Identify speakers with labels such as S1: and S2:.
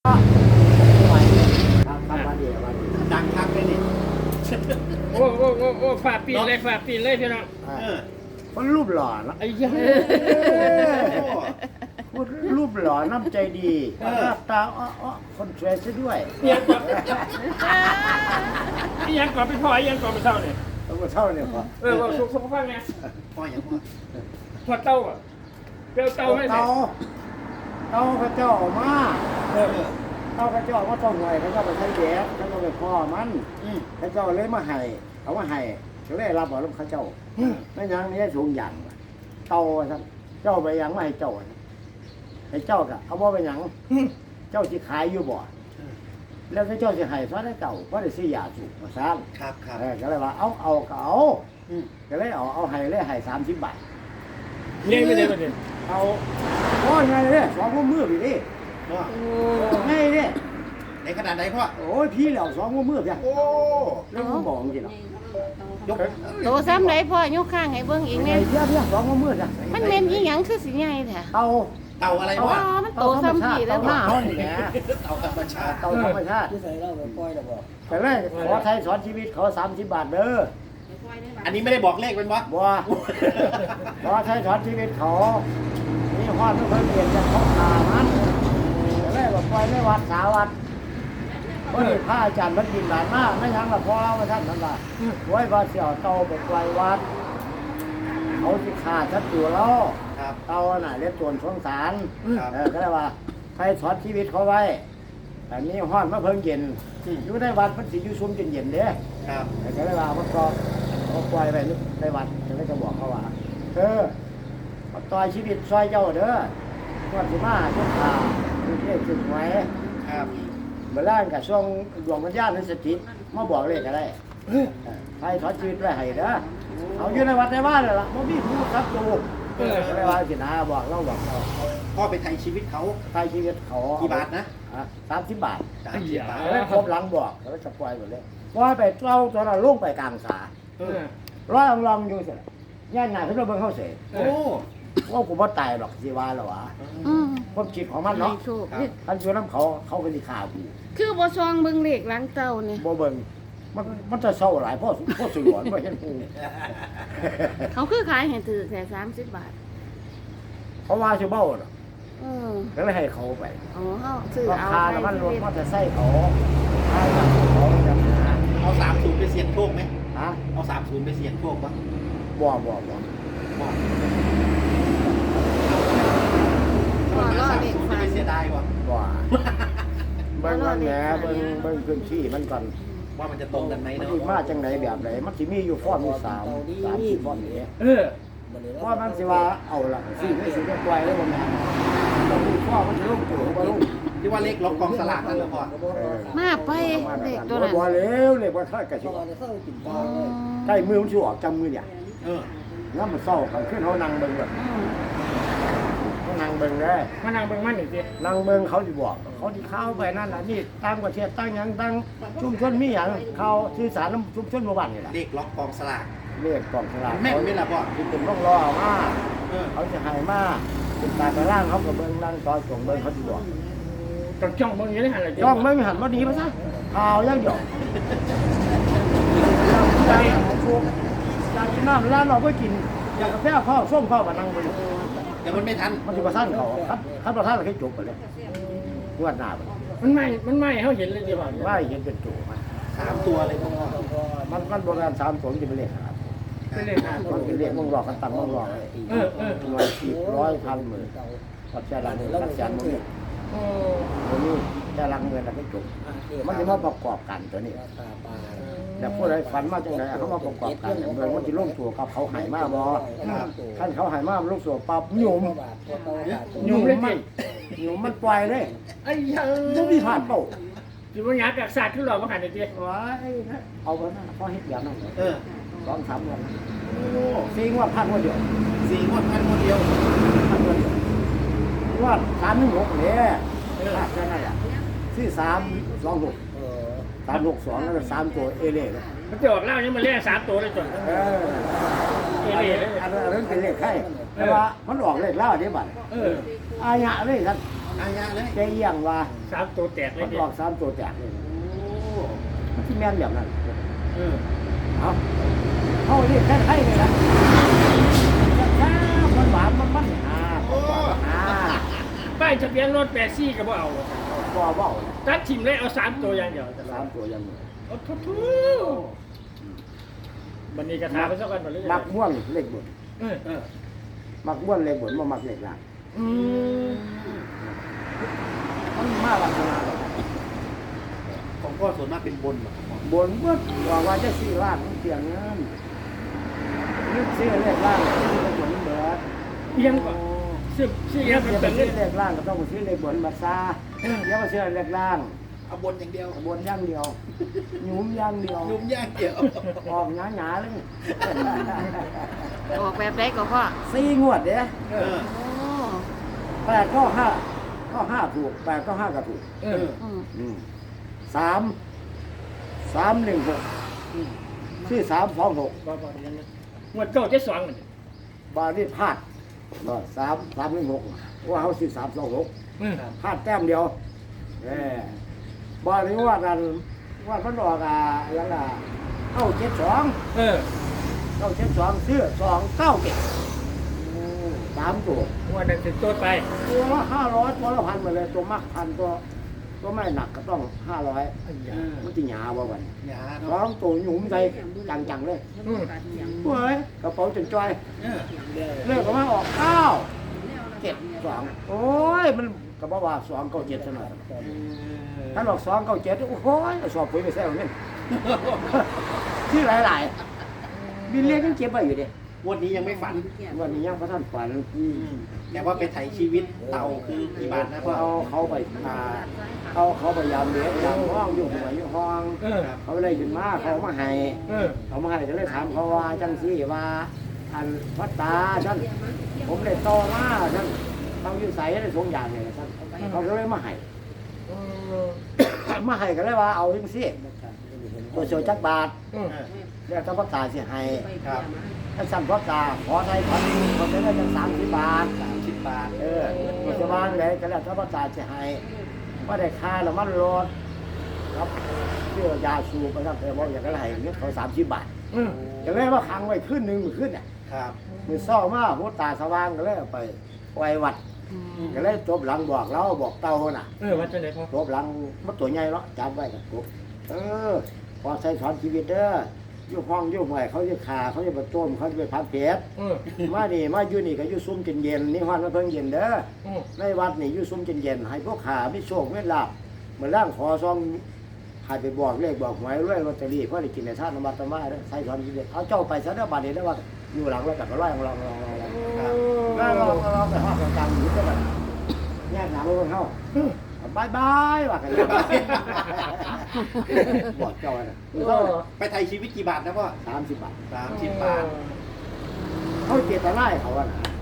S1: ดังคักเลยนี่
S2: โอ้ฝาปีนเลยพี่น้อง
S3: มันรูปหล่อนะ
S2: ไอ้ยัง
S3: พูดรูปหล่อน้ำใจดีหน้าตาคนสวยซะด้วย
S2: ยังก่อนไปพ่อยังก่อนไปเท่าเนี่ย
S3: ต้องมาเท่าเนี่ยพอ
S2: ว่าสุขภาพไง
S1: พ่ออย่างพ่อ
S2: พอเต้าอ่ะเปรี้ยวเต้าไม่ใช่
S3: เต้าพระเจ้าออกมาเต้าพระเจ้าว่าต้องหน่วยเขาเจ้าไปใช้แย่เขาเจ้าไปพ่อมันพระเจ้าเลยมาให้เขามาให้เขาเลยรับเอาลูกเขาเจ้าไม่ยังนี่สูงอย่างเต้าท่านเจ้าไปยังไม่ให้เจ้าให้เจ้ากะเอาว่าไปยังเจ้าที่ขายอยู่บ่แล้วเจ้าจะให้ซะได้เก่าเพราะได้ซื้อยาสูบมาซ้ำ
S1: ครับครับ
S3: ก็เลยว่าเอาก็เอาก็เลยเอาให้30 บาท
S2: เลี้ยงไม่ได้ประเด็น
S3: เอาโอ้ยไงเนี่ยสองมือพี่ดิ
S1: พ่อ
S3: ไงเนี่ย
S1: ในขนาดไหนพ่อ
S3: โอ้ยพี่เหล่าสองมือพี่
S1: โอ้
S3: แล้วมึงบอกจริงเหรอย
S1: ก
S4: โตซ้ำไหนพ่อยกข้างให้เบิ่งอีก
S3: ไง
S4: แน่
S3: พี่สองมือจ้ะ
S4: มันเป็นอีหยังคือสิใหญ่แท้
S3: เต่า
S1: เต่าอะไร
S4: อ๋อ
S1: พ่อ
S4: มันโตซ้ำพี่แล้ว
S3: ห
S4: บ่
S3: น้าเขานี่แหละ
S1: เต่าธรรมชาติ
S3: เต่าธรรมชาติ
S5: ที่ใส่เหล้าไปปล่อยแล้วบอก
S3: แต่แรกขอไทยสอนชีวิตเขา30 บาทเด้อ
S1: อันนี้ไม่ได้บอกเลขเป็นวะ
S3: บัวขอไทยสอนชีวิตเขานี่ฮอดไม่เคยเปลี่ยนจากเขาขามันแต่แรกก็ปล่อยในวัดสาวัดเพราะนี่พระอาจารย์มันกินหลานมากไม่ทั้งละพอเรามาท่านว่าไว้ว่าเสี่ยวเตาไปปล่อยวัดเขาที่ขาดชัดอยู่แล้ว
S1: ครับ
S3: เตาน่ะเรียกส่วนสงสาร
S1: ครับ
S3: ก็เลยว่าใครสอนชีวิตเขาไว้แต่นี้ห้อนมาเพิ่งเย็นอยู่ในวัดมันสิอยู่ซุ่มเย็นๆเด้
S1: ครับ
S3: ก็เลยว่ามันก็เขาปล่อยไปในวัดก็เลยจะบอกเขาว่ามาต่อยชีวิตซอยเจ้าเด้อก่อนสิมาทุกข่าวเรียกจุดไว้
S1: ครับ
S3: เมื่อร่างกับช่วงดวงวิญญาณนั้นสถิตมาบอกเลขก็ได้ใครสอนชีวิตไว้ให้เด้อเอาอยู่ในวัดในบ้านเลยล่ะบ่มีผู้ครับดูก็เลยว่าสินะบอกเรา
S1: พ่อไปไทยชีวิตเขา
S3: ใครชีวิตเขา
S1: กี่บาทนะ
S3: 30 บาท
S1: 30 บาท
S3: แล้วครบหลังบอกแล้วจะปล่อยหมดเลยปล่อยไปเล่าตอนนั้นลงไปกลางสาร้อยลองอยู่เสร็จย่านหน้าเพิ่นเบิ่งเขาเสร็จ
S1: โอ้
S3: ว่ากูบ่ตายหรอกสิว่าแล้ววะ
S4: อืม
S3: ความคิดของมันเนาะ
S4: ให้โชค
S3: ท่านอยู่นำเขาก็สิฆ่ากู
S4: คือบ่ซองเบิ่งเลขหลังเต้านี่
S3: บ่เบิ่งมันจะเศร้าหลายพ่อสยวนบ่เห็นกู
S4: เขาคือขายให้ถือแค่30 บาท
S3: เพราะว่าสิเบ้าเนาะ
S4: เออ
S3: ก็เลยให้เขาไป
S4: อ๋อเฮาซื้อ
S3: รา
S4: เอา
S3: คา
S4: ไป
S3: น้ำมันรถ
S4: ชีวิต
S3: มอเตอร์ไซค์เขาขายกับเขาจะหา
S1: เอา30ไปเสี่ยงโชคไหม
S3: ฮะ
S1: เอา30ไปเสี่ยงโชคปะ
S3: บ่
S1: บอก
S4: พ่อรอ
S1: 30
S4: เลข
S1: จะ
S4: ฟั
S1: ไป
S4: น
S1: เสียดายปะ
S3: บ่เบิ่งมันแหนเบิ่งพื้นที่มันก่อน
S1: ว่ามันจะตรงกันไหม
S3: มัน
S1: เนาะ
S3: สิมาจังไดแบบไหนมันสิมีอยู่ฟอนมี30ฟอนนี่
S5: มันเลย
S3: เพราะมันสิว่าเอาล่ะสิไม่สิได้ปล่อยแล้วบ่แม่นต้องมีข้อมันสิลงตัวบ่ลง
S1: ที่ว่าเลขล็อกกองสลากนั่นเหรอพ่อ
S4: มาไปเลขตัวนั้น
S3: บ่แล้วเลยบ่ค่อยกะสิ
S5: พอจะเข้ากินปลาเลย
S3: ใกล้มือมันสิออกจำมือเนี่ย
S1: เออ
S3: น้ำมันเศร้ากันขึ้นเฮานั่งเบิ่งแบบ
S4: อืม
S3: เฮานั่งเบิ่งได้
S2: มานั่งเบิ่งมันอีกที
S3: นั่งเบิ่งเขาสิบอกเขาสิเข้าไปนั่นน่ะนี่ตามประเทศตั้งหยังตั้งชุมชนมีหยังเขาสื่อสารนำชุมชนหมู่บ้านนี่ล่ะ
S1: เลขล็อกกองสลาก
S3: เลขกล่องสลาก
S1: แม่นไหมล่ะพ่อ
S3: ที่เป็นต้องรอเอามา
S1: เออ
S3: เขาจะให้มาติดตามไปร่างเขาก็เบิ่งนั่งต่อจงเบิ่งเขาสิบอก
S2: ต้องจ้องเบิ่งอยู่ในหันเลย
S3: ย่องไม่หันมาดีมาซะข่าวยังหยอกอยากกินน้ำร้านเราก็กินอยากกาแฟข้าวส้มข้าวมานั่งไป
S1: แต่มันไม่ทัน
S3: มันจะมาท่านเขาครับประท่านเราแค่จบไปเลยงวดหน้าไป
S2: มันไม่เขาเห็นเลยดีกว่า
S3: ว่าเห็นเป็นจู่มา
S1: 3 ตัวเลยพ่อ
S3: มันโบราณ3 ตัวจะเป็นเลขครับ
S2: เป็นเลขหา
S3: มันเป็นเลขมึงหลอกกันตังมึงหลอกเลย
S2: เออ
S3: หน่วย10 100 1,000 หมื่นปัจจัยละ1,000,000มึง
S2: โอ้
S3: ตัวนี้แต่ละเงินเราไม่จบมันจะมาประกอบกันตัวนี้
S5: ตาปลา
S3: แต่ผู้ใดฝันมาจังไดเขามาประกอบกันเมืองมันจะลงตัวกับเขาหายมาบ่ท่านเขาหายมาลงตัวปั๊บหยุ่ม
S2: ยุ่งเลยสิ
S3: หยุ่มมันปล่อยเลย
S2: ไอ้ยัง
S3: บ่มีผ่านเป้า
S2: สิบ่อยากกักศาสตร์ขึ้นหรอมาหันอีกที
S3: ว้ายเอาไปนะพอเฮ็ดอย่างนั้น
S1: เออ
S3: 2-3 วันซีงว่าพันวันเดียว
S1: 4 งวดพันงวดเดียว
S3: พันวันเดียวว่า316เนี่ยแค่นั้นแหละที่326 362แล้วก็3ตัวเอเล่
S2: มันจะออกเล่านี่มันเลข3ตัวเลยจน
S3: เออ
S2: เอเล่เลย
S3: อันนั้นเป็นเลขไข่แต่ว่ามันออกเลขล่าเดี๋ยวบัด
S2: เออ
S3: อายะเลยท่าน
S2: อ
S1: อายะเลย
S3: แกเอียงว่า
S2: 3ตัวแตกเล
S3: มั
S2: ย
S3: น
S2: เด็
S3: ออก3ตัวแตกเลย
S1: โอ้
S3: มันที่แม่นแบบนั้น
S1: เออ
S3: เอาเรียกแค่ไทยเลยนะแค่มันหวานมันหาหา
S2: ป้ายทะเบียนรถ84ก็บ่เอา
S3: บ่เว้านะ
S2: ตัดทิ่มเลยเอา3ตัวอย่างเดียว
S3: 3ตัวยัง
S2: โอ้ทุบันนี้กระถาไปซะกันบ่เลย
S3: มักม่วงเลขบน
S2: เออ
S1: เออ
S3: มักม่วงเลขบนบ่มักเลขล่าง
S2: อืม
S3: มันมาลักษณะ
S1: ของพ่อส่วนมากเป็นบนเหรอครับ
S3: บนเบิดว่าจะซื้อล่างมันเปลี่ยนเงินนึกซื้อเลขล่างซื้อเลขบนเบิด
S2: เอียงก่อนซื้อเอียง
S3: จะ
S2: เป็น
S3: ซื้
S2: เงิ
S3: อน เลขล่างก็ต้องไปซื้อเลขบนบัดซาอย่ามาซื้อเลขล่าง
S1: เอาบนอย่างเดียว
S3: บนอย่างเดียวหยุมอย่างเดียว
S1: นุ่มย่างเดียว
S3: ออกหนาๆเลย
S4: ออกแบบใดก็พ่อ
S3: 4 งวดเด้
S1: เออ
S4: โอ้
S3: 8ก็5ถูก8ก็5ก็ถูก
S2: เออ
S4: อืม
S3: 3 ชื่อ326
S2: บ่ยังไงงวดเก้าเจ็ดสองมัน
S3: บาทนี่พลาด316ว่าเขาซื้อ326
S2: เออ
S3: พลาดแต้มเดียวบาทนี้ว่ากันว่ามันออกยังล่ะ972
S2: เออ
S3: 972ซื้อ297 3ตัว
S2: งวดนั้นเป็นตัวไป
S3: ตัวละ500ตัวละ1,000มาเลยตัวมัก1,000ตัวไม่หนักก็ต้อง500มันจะหยาบ่บัด
S1: หยา
S3: ร้อ
S1: เนาะ
S3: งตัวหยุ่มใจจังๆเลย
S2: อืม
S3: เฮ้ยกระเป๋าจนจ้อย
S1: เออ
S3: เลิกก็มาออก972โอ้ยมันก็บอกว่า297ซะหน่อยถ้าออก297โอ้โหสอบปุ๋ยไปแซ่บเงินที่หลายๆบินเลี้ยงยังเก็บไว้อยู่ดิ
S1: วันนี้ยังไม่ฝัน
S3: วันนี้ยังพระท่านฝัน
S1: แต่ว่าไปไถชีวิตเต่าคือกี่บาทนะพ่อ
S3: เขาไปเขาพยายามเลี้ยงยามห้องอยู่หัวอยู่ห้อง
S2: เออ
S3: เขาเลยขึ้นมาเขามาให้
S2: เออ
S3: เขามาให้ก็เลยถามเขาว่าจังซี่ว่าอันพัตตาท่านผมเลยโตมาท่านเขาอยู่ใส่ได้สองอย่างเลยท่านเขาก็เลยมาให้ มาให้ก็เลยว่าเอาจังซี่ตัวโชจักบาท
S2: อืม
S3: แล้วถ้าพัตตาสิให้
S1: ครับ
S3: ถ้าสั่นพัตตาขอใช้พันเขาจะได้จัง30 บาท
S1: 30 บาท
S3: ตัวจะวางเลยก็แล้วถ้าพัตตาสิให้ว่าได้ค่าแล้วมันรถครับเชื่อยาสูบนะครับแต่ว่าอย่างไรเงี้ยเขา30 บาท
S2: อืม
S3: อย่างไรว่าขังไว้ขึ้นหนึ่งมือขึ้นเนี่ย
S1: ครับ
S3: มือเศร้ามากหัวตาสว่างก็เลยเอาไปไว้วัดก็เลยจบหลังบอกเราบอกเต้าน่ะ
S2: เออว่าจะไหนพ่อ
S3: จบหลังมันตัวใหญ่เนาะจำไว้กับปุ๊บพอใช้สอนชีวิตเด้ออยู่ห้องอยู่ห่วยเขาจะขาเขาจะประโจมเขาจะไปพันเปียด
S2: เออ
S3: มานี่มาอยู่นี่ก็อยู่ซุ้มเย็นๆนี่ฮอนมาเพิ่งเย็นเด้อ
S2: อืม
S3: ในวัดนี่อยู่ซุ้มเย็นๆให้พวกขาไม่โชคไม่ลาบเหมือนร่างขอซองให้ไปบอกเลขบอกหวยรวยลอตเตอรี่เพราะได้กินในท่านนมัตมาเด้อใช้สอนชีวิตเอาเจ้าไปซะเด้อบัดนี้เด้อว่าอยู่หลังไว้กับก็ร้อยของเราแล้วเราไปห้องกลางอยู่ก็แบบแยกหนาลงเข้าบายบายว่ากันบอกเจ้าน่ะ
S2: เออ
S1: ไปไถชีวิตกี่บาทนะพ่อ
S3: 30 บาท
S1: 30 บาท
S3: เขาเจตนาให้เขาอะนะ